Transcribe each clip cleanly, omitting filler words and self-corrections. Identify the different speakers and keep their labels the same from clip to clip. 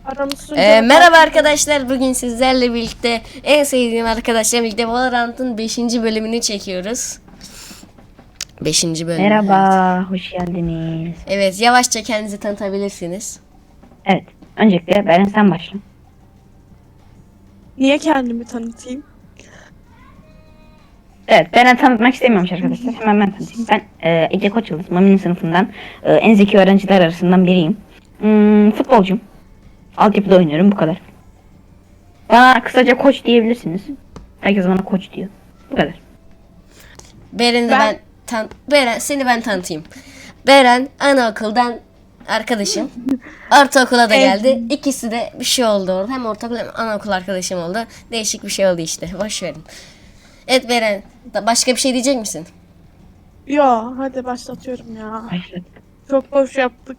Speaker 1: Merhaba arkadaşlar, bugün sizlerle birlikte en sevdiğim arkadaşlarla birlikte Valorant'ın 5. bölümünü çekiyoruz. 5. bölüm.
Speaker 2: Merhaba,
Speaker 1: Evet.
Speaker 2: hoş geldiniz.
Speaker 1: Evet, yavaşça kendinizi tanıtabilirsiniz.
Speaker 2: Evet, öncelikle Beren sen başla.
Speaker 3: Niye kendimi tanıtayım?
Speaker 2: Evet, Beren tanıtmak istemiyormuş arkadaşlar. Hemen ben tanıtayım. Ben Ece Koçyıldız, Mami'nin sınıfından en zeki öğrenciler arasından biriyim. Futbolcuyum. Altyapıda oynuyorum, bu kadar. Bana kısaca koç diyebilirsiniz. Herkes bana koç diyor. Bu kadar.
Speaker 1: Beren seni ben tanıtayım. Beren anaokuldan arkadaşım. Ortaokula da geldi. İkisi de bir şey oldu orada. Hem ortaokul hem anaokul arkadaşım oldu. Değişik bir şey oldu işte. Boş verin. Evet Beren, başka bir şey diyecek misin?
Speaker 3: Yo, hadi başlatıyorum ya.
Speaker 2: Başladık.
Speaker 3: Çok boş yaptık.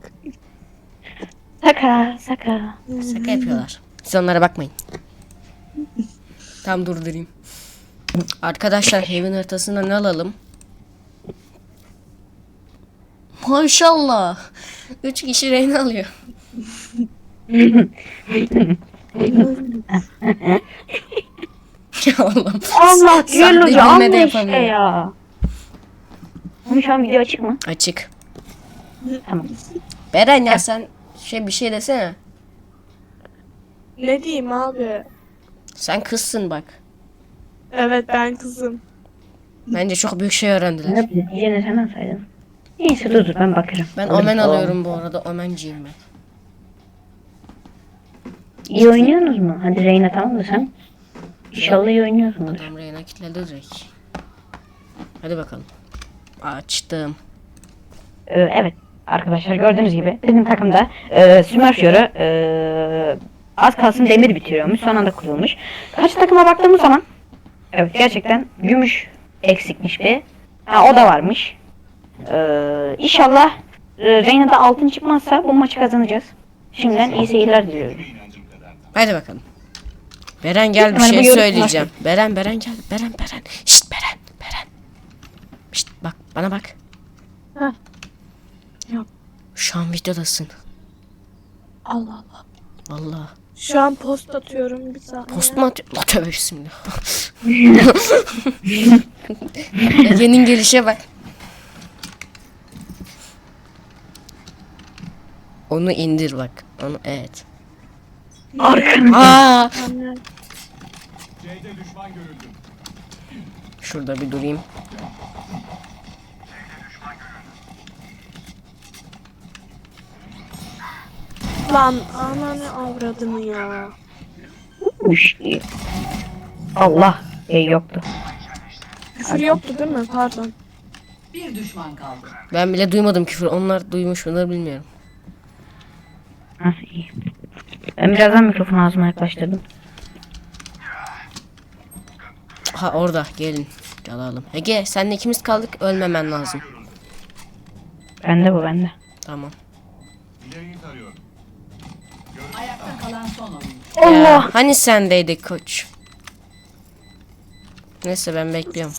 Speaker 2: Saka.
Speaker 1: Şaka yapıyorlar. Siz onlara bakmayın. Tam durdurayım. Arkadaşlar evin haritasında ne alalım? Maşallah. 3 kişi rehin alıyor. Ya Allah'ım.
Speaker 2: Allah
Speaker 1: Sahne
Speaker 2: Hoca
Speaker 1: bilme
Speaker 2: amma
Speaker 1: de
Speaker 2: işte
Speaker 1: yapamıyor.
Speaker 2: ya. Ama şu an video açık mı?
Speaker 1: Açık.
Speaker 2: Tamam.
Speaker 1: Beren ya sen bir şey desene.
Speaker 3: Ne diyeyim abi?
Speaker 1: Sen kızsın bak.
Speaker 3: Evet, ben kızım.
Speaker 1: Bence çok büyük şey öğrendiler.
Speaker 2: Ne bize diyeceğini sen alsaydın. Neyse dur ben bakarım.
Speaker 1: Ben
Speaker 2: Alırım,
Speaker 1: omen
Speaker 2: tamam.
Speaker 1: alıyorum bu arada. Omenciyim ben.
Speaker 2: İyi oynuyorsunuz mu? Hadi Reyna tamam da sen. İnşallah iyi oynuyorsunuz.
Speaker 1: Adam reyna kilitledi direkt. Hadi bakalım. Açtım.
Speaker 2: Evet arkadaşlar gördüğünüz gibi bizim takımda Smurfio'yu az kalsın demir bitiriyormuş. Son anda kurulmuş. Kaç takıma baktığımız zaman evet gerçekten gümüş eksikmiş bir. Ha o da varmış. İnşallah Reyna'da altın çıkmazsa bu maçı kazanacağız. Şimdiden iyi seyirler diliyorum.
Speaker 1: Hadi bakalım. Beren gel bir
Speaker 2: Hemen
Speaker 1: şey
Speaker 2: bu yorum
Speaker 1: söyleyeceğim. Beren gel. Beren. Şşt Beren. Şşt bak bana bak.
Speaker 3: Heh. Yok.
Speaker 1: Şu an videodasın.
Speaker 3: Allah Allah.
Speaker 1: Vallahi.
Speaker 3: Şu an post atıyorum bir saniye.
Speaker 1: Post mu atıyor? La tövbe bismillah. Ege'nin gelişe bak. Onu indir bak. Onu evet.
Speaker 2: Arkanı.
Speaker 1: Aa!
Speaker 3: Anne.
Speaker 1: Şurada bir durayım.
Speaker 3: Lan ananı avradını ya.
Speaker 2: Allah yoktu.
Speaker 3: Küfür yoktu değil mi? Pardon.
Speaker 4: Bir düşman kaldı.
Speaker 1: Ben bile duymadım küfür. Onlar duymuş mudur bilmiyorum.
Speaker 2: Hah iyi. Ben birazdan mikrofonu ağzıma yaklaştırdım.
Speaker 1: Ha orada gelin. Alalım. Ege senle ikimiz kaldık. Ölmemen lazım.
Speaker 2: Bende.
Speaker 1: Tamam.
Speaker 4: Ayakta kalan son oyun.
Speaker 1: Ya, hani sendeydik koç. Neyse ben bekliyorum.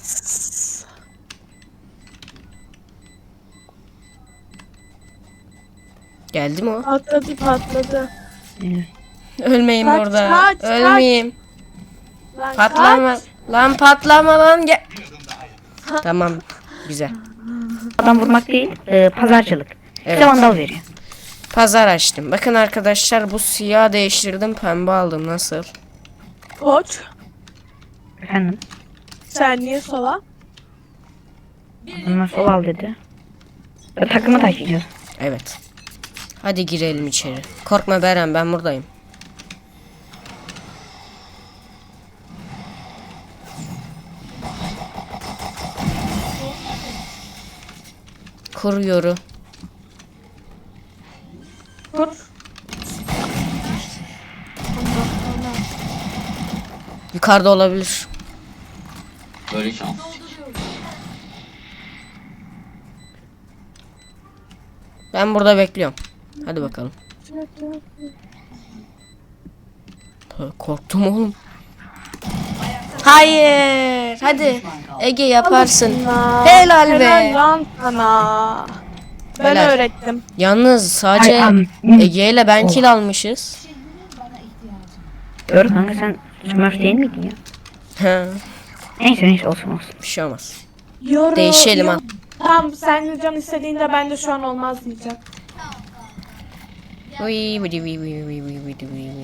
Speaker 1: Geldi mi o?
Speaker 3: Patladı.
Speaker 1: Ölmeyeyim
Speaker 3: Kaç,
Speaker 1: burada.
Speaker 3: kaç.
Speaker 1: Ölmeyeyim.
Speaker 3: Lan
Speaker 1: Patlama.
Speaker 3: kaç.
Speaker 1: Lan patlama lan gel. Tamam. Güzel.
Speaker 2: Adam vurmak değil, pazarcılık.
Speaker 1: Evet.
Speaker 2: Size vandal veriyor.
Speaker 1: Pazar açtım. Bakın arkadaşlar bu siyah değiştirdim. Pembe aldım. Nasıl?
Speaker 3: Koç.
Speaker 2: Efendim,
Speaker 3: Sen niye sola?
Speaker 2: onlar sol al dedi. Takımı taşıyacağız.
Speaker 1: Evet. Hadi girelim içeri. Korkma Beren ben buradayım. Kuruyorum.
Speaker 3: Kur.
Speaker 1: Yukarıda olabilir.
Speaker 4: Böyle şans.
Speaker 1: Ben burada bekliyorum. Hadi bakalım. Korktum oğlum. Hayır. Hadi. Ege yaparsın. Helal be.
Speaker 3: Helal lan sana. Ben
Speaker 1: Helal.
Speaker 3: öğrettim.
Speaker 1: Yalnız sadece
Speaker 2: Ay,
Speaker 1: Ege ile ben kill almışız.
Speaker 2: Doğru kanka, sen Smurf değil miydin ya?
Speaker 1: Ha,
Speaker 2: Neyse olsun.
Speaker 1: bir şey olmaz.
Speaker 3: Yoru.
Speaker 1: Değişelim ha.
Speaker 3: Tamam, sen can istediğinde ben de şu an olmaz diyeceğim.
Speaker 1: Uy, vidi, vidi, vidi, vidi, vidi, vidi.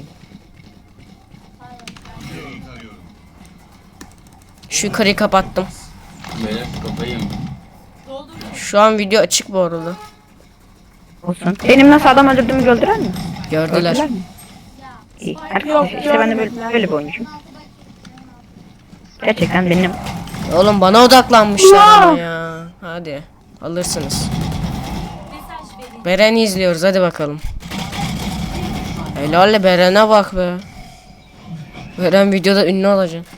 Speaker 1: Şu yukarıyı kapattım.
Speaker 4: Böyle kafayı yedim.
Speaker 1: Şu an video açık bu arada.
Speaker 2: Olsun. Benim nasıl adam öldürdüğümü gördüler mi?
Speaker 1: Gördüler.
Speaker 2: mi? İyi.
Speaker 3: Yok,
Speaker 2: Arkadaşlar işte ben de böyle bir oyuncuyum. Gerçekten benim.
Speaker 1: Oğlum bana odaklanmışlar ama ya. Hadi alırsınız. Beren'i izliyoruz, hadi bakalım. Helal Beren'e bak be. Beren videoda ünlü olacak.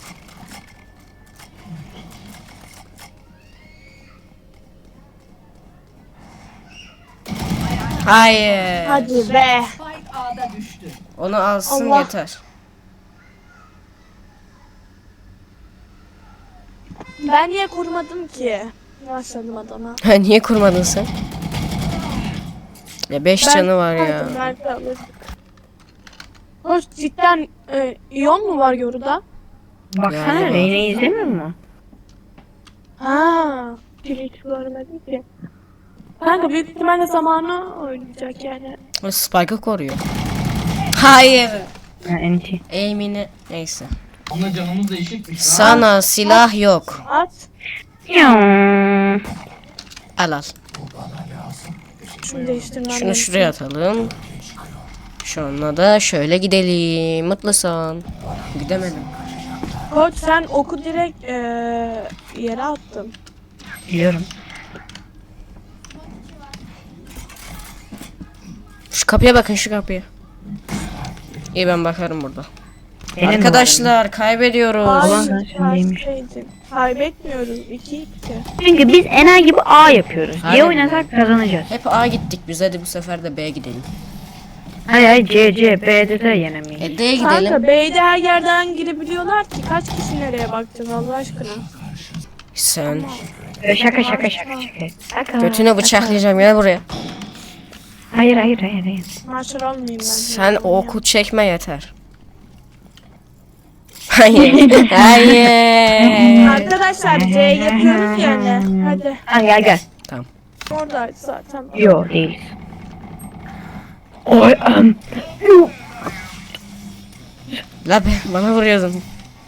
Speaker 1: Hayır.
Speaker 3: Hadi be.
Speaker 4: Spike A'da düştü.
Speaker 1: Onu alsın
Speaker 3: Allah.
Speaker 1: yeter.
Speaker 3: Ben niye kurmadım ki? Başladım adama.
Speaker 1: Niye kurmadın sen? Ya 5 canı var ya.
Speaker 3: Hadi, nerede alırdık? Hoş, cidden iyon mu var yoruda?
Speaker 2: Baksana
Speaker 1: Ya.
Speaker 2: Reyne'yi izlemiyor mu?
Speaker 3: Ha, hiç görmedim ki. Kanka büyük ihtimalle zamanı oynayacak yani.
Speaker 1: O Spike'ı koruyor. Hayır.
Speaker 2: Ha, NT.
Speaker 1: Aim'ini neyse.
Speaker 4: Ama canımız da eşitmiş lan.
Speaker 1: Sana silah yok.
Speaker 3: At.
Speaker 2: Ya.
Speaker 1: Al al.
Speaker 3: Şunu değiştirmem
Speaker 1: Şunu
Speaker 3: lazım.
Speaker 1: şuraya atalım. Şununla da şöyle gidelim. Mutlusun. Gidemedim.
Speaker 3: Koç sen oku direkt yere attın.
Speaker 2: Biliyorum.
Speaker 1: Şu kapıya bakın, şu kapıya. İyi, ben bakarım burada.
Speaker 2: Benim de
Speaker 1: Arkadaşlar kaybediyoruz.
Speaker 2: Ulan
Speaker 3: Hayır,
Speaker 2: sen neymiş?
Speaker 3: tersteydin. Kaybetmiyoruz. 2-2.
Speaker 2: Çünkü biz enayi gibi A yapıyoruz.
Speaker 1: Aynen.
Speaker 2: C oynasak kazanacağız.
Speaker 1: Hep A gittik biz, hadi bu sefer de B gidelim.
Speaker 2: Hayır C, B'de de yenemeyiz.
Speaker 1: D'ye
Speaker 3: Kanka
Speaker 1: gidelim.
Speaker 3: B'de her yerden girebiliyorlar ki. Kaç kişi nereye bakacaksın Allah aşkına?
Speaker 1: Sen
Speaker 2: Şaka. Şaka.
Speaker 1: götüne bıçaklayacağım, gel buraya.
Speaker 2: Hayır.
Speaker 3: Maşır olmayayım ben.
Speaker 1: Sen o oku çekme yeter. Hayır. Hayır.
Speaker 3: Arkadaşlar C yapıyoruz yani. Hadi.
Speaker 2: Tamam gel.
Speaker 1: Tamam.
Speaker 3: Orada zaten.
Speaker 2: Yo değiliz.
Speaker 1: La be, bana vuruyordun.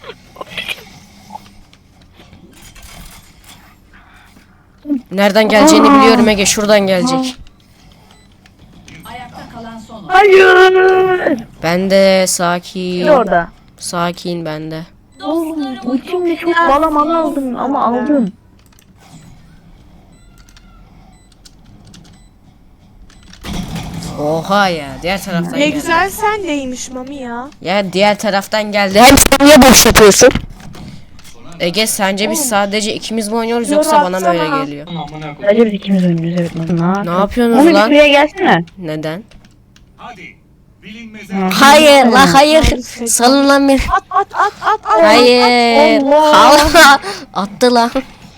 Speaker 1: Nereden geleceğini biliyorum Ege, şuradan gelecek.
Speaker 4: Ayakta kalan son oyuncu.
Speaker 2: Hayır.
Speaker 1: Ben de sakin.
Speaker 2: Orada.
Speaker 1: Sakin ben de.
Speaker 2: Ultimle çok balamalı aldım ama aldım.
Speaker 1: Oha ya, diğer taraftan
Speaker 3: Ne
Speaker 1: geldi.
Speaker 3: güzel sendeymiş Mami ya.
Speaker 1: Ya diğer taraftan geldi. Hem sen niye boş yapıyorsun? Ege, sence biz sadece ikimiz mi oynuyoruz yoksa bana mı öyle
Speaker 3: Yoratsana.
Speaker 1: geliyor?
Speaker 4: Amına koyayım.
Speaker 2: Sadece biz ikimiz oynuyoruz evet.
Speaker 1: Ne yapıyorsunuz
Speaker 2: Onu bir
Speaker 1: lan?
Speaker 2: şuraya gelsene.
Speaker 1: Neden?
Speaker 5: Hadi. Bilinmeze
Speaker 1: Hayır la hayır. Salın lan beni.
Speaker 3: At.
Speaker 1: Hayır.
Speaker 2: Allah.
Speaker 1: Allah. Attı lan.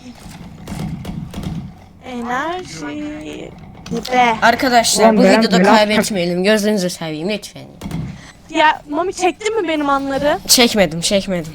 Speaker 3: Enerji. Be.
Speaker 1: Arkadaşlar
Speaker 2: Ulan
Speaker 1: bu
Speaker 2: Beren
Speaker 1: videoda
Speaker 2: böyle
Speaker 1: kaybetmeyelim. Gözünüzü seveyim lütfen.
Speaker 3: Ya Mami çektin mi benim anları?
Speaker 1: Çekmedim.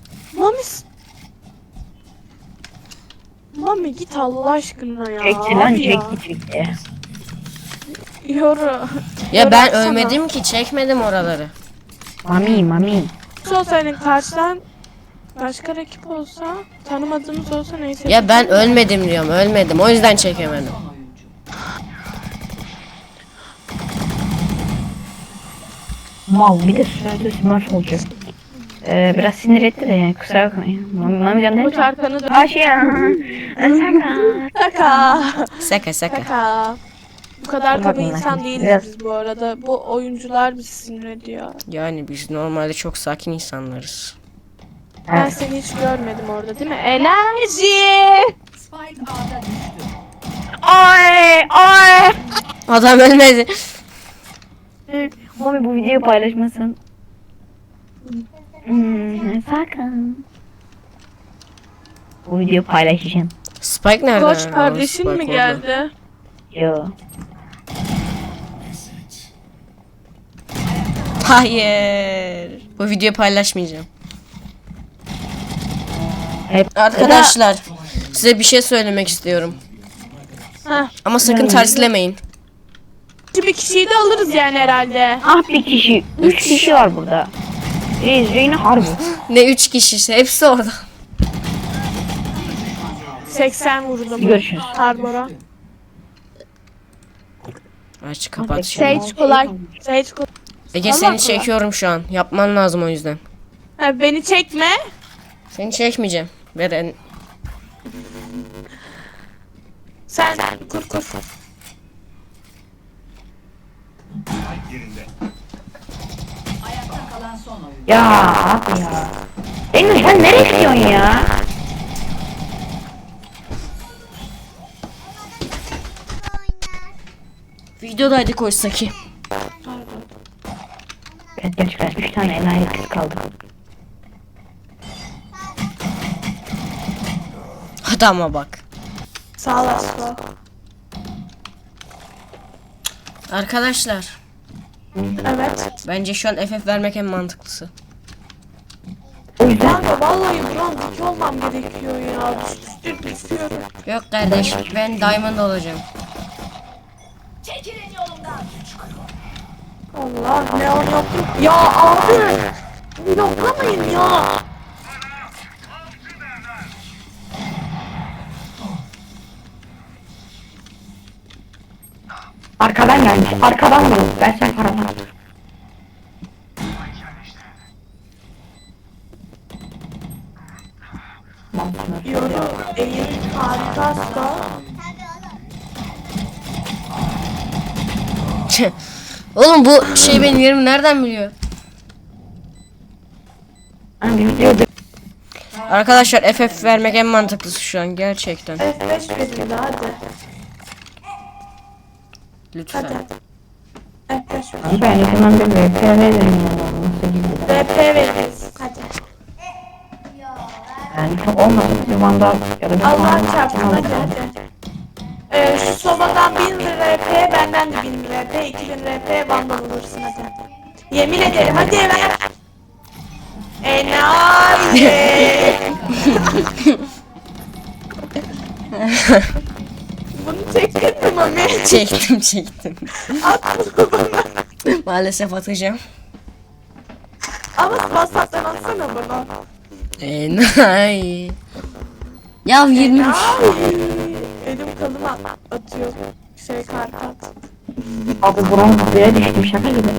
Speaker 3: Mami git Allah aşkına ya.
Speaker 2: Çekti lan
Speaker 3: Hadi ya.
Speaker 2: çekti.
Speaker 3: Yoru.
Speaker 1: Ya ben
Speaker 3: Yoratsana.
Speaker 1: ölmedim ki, çekmedim oraları.
Speaker 2: Mami.
Speaker 3: Olsaydın karşıdan başka rakip olsa, tanımadığımız olsa neyse.
Speaker 1: Ya ben ölmedim diyorum, ölmedim. O yüzden çekemedim.
Speaker 4: Son oyuncu.
Speaker 2: Mal bir de sırada smurf olacak. Biraz sinir etti de yani kusura bakmayın. Mami can
Speaker 3: Koç
Speaker 2: değil mi?
Speaker 3: arkanı dön.
Speaker 2: Aşağı.
Speaker 3: Şaka.
Speaker 1: Şaka.
Speaker 3: Şaka. Bu kadar kaba
Speaker 2: Bakın,
Speaker 3: insan
Speaker 2: bakın.
Speaker 3: değiliz
Speaker 2: Biraz-
Speaker 3: biz bu arada. Bu oyuncular bizi sinir ediyor.
Speaker 1: Yani biz normalde çok sakin insanlarız.
Speaker 3: Ben
Speaker 2: Evet.
Speaker 3: seni hiç görmedim orada değil mi? Enerji.
Speaker 4: Spike A'da düştü.
Speaker 2: Ay.
Speaker 1: Adam ölmedi.
Speaker 2: Mami bu videoyu paylaşmasın. Sakın. Bu videoyu paylaşacağım.
Speaker 1: Spike nerede?
Speaker 3: Koç
Speaker 1: Aa,
Speaker 3: kardeşin
Speaker 1: Spike
Speaker 3: mi
Speaker 1: orada.
Speaker 3: geldi?
Speaker 2: Yo.
Speaker 1: Hayır. Bu videoyu paylaşmayacağım.
Speaker 2: Hep
Speaker 1: Arkadaşlar size bir şey söylemek istiyorum.
Speaker 3: Heh.
Speaker 1: Ama sakın terslemeyin.
Speaker 3: Bir kişiyi de alırız yani herhalde.
Speaker 2: ah bir kişi. 3 kişi var burada. Reyna harbi.
Speaker 1: Ne 3 kişi hepsi orada.
Speaker 3: 80 vurdum.
Speaker 2: Görüşürüz.
Speaker 3: Harbora.
Speaker 1: Aç kapat şimdi.
Speaker 3: Sage kolay. Sage kolay.
Speaker 1: Ege
Speaker 3: Allah
Speaker 1: seni
Speaker 3: Allah.
Speaker 1: çekiyorum şu an. Yapman lazım o yüzden.
Speaker 3: Ha, beni çekme.
Speaker 1: Seni çekmeyeceğim. Beren.
Speaker 3: Sen kur.
Speaker 5: Spike yerinde.
Speaker 4: Ayakta kalan son oyun.
Speaker 2: Ya abi ya. Reyna sen nereye gidiyorsun ya?
Speaker 1: Videodaydık oysa ki.
Speaker 2: Evet gerçekten 3 tane enayi kız kaldı.
Speaker 1: Adama bak.
Speaker 3: Sağ olasın.
Speaker 1: Arkadaşlar
Speaker 3: Evet.
Speaker 1: bence şu an FF vermek en mantıklısı.
Speaker 2: O yüzden
Speaker 3: Kanka vallahi buram dik olmam gerekiyor ya. Düşüyorum.
Speaker 1: Yok kardeş ben Diamond olacağım.
Speaker 3: Allah ne anlattım. Ya abi. Bloklamayın ya.
Speaker 2: arkadan gelmiş. Arkadan vurun. Ben sen paradan.
Speaker 3: Diyorum. Eğil harikasın.
Speaker 1: Oğlum bu şey benim yerimi nereden biliyor?
Speaker 2: Ben bir video
Speaker 1: Arkadaşlar FF vermek en mantıklısı şu an gerçekten.
Speaker 3: F5 verin de hadi.
Speaker 1: Lütfen.
Speaker 3: F5 verin.
Speaker 2: ben yakından bir VP veririm ya. Nasıl gidiyor?
Speaker 3: VP veririz. Hadi.
Speaker 2: Yani çok olmasın. Bir vandal ya da bir
Speaker 3: Allah
Speaker 2: vandal
Speaker 3: çarpsın hadi hadi. Şu sobadan 1000 RP, benden de 1000 RP, 2000 RP vandal alırsın hadi. Yemin ederim hadi ver. Enayi. Bunu çektin mi Mami?
Speaker 1: Çektim.
Speaker 3: At bunu bana.
Speaker 1: Maalesef atacağım.
Speaker 3: Ama WhatsApp'tan atsana bana.
Speaker 1: Enayi. Ya 23.
Speaker 3: Elim kanıma atıyor. Karpat.
Speaker 2: Abi buram yere düştüm şaka gibi.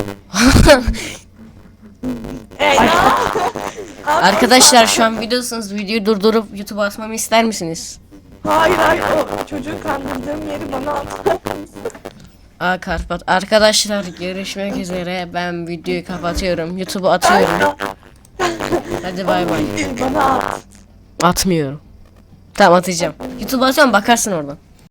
Speaker 1: Arkadaşlar şu an videosunuz. Videoyu durdurup YouTube'a atmamı ister misiniz?
Speaker 3: Hayır o çocuğu kandırdığım yeri bana at.
Speaker 1: Karpat. Arkadaşlar görüşmek üzere. Ben videoyu kapatıyorum. YouTube'a atıyorum. Hadi bay bay.
Speaker 3: Bana at.
Speaker 1: Atmıyorum. Tamam atacağım. YouTube'a atıyorum bakarsın oradan.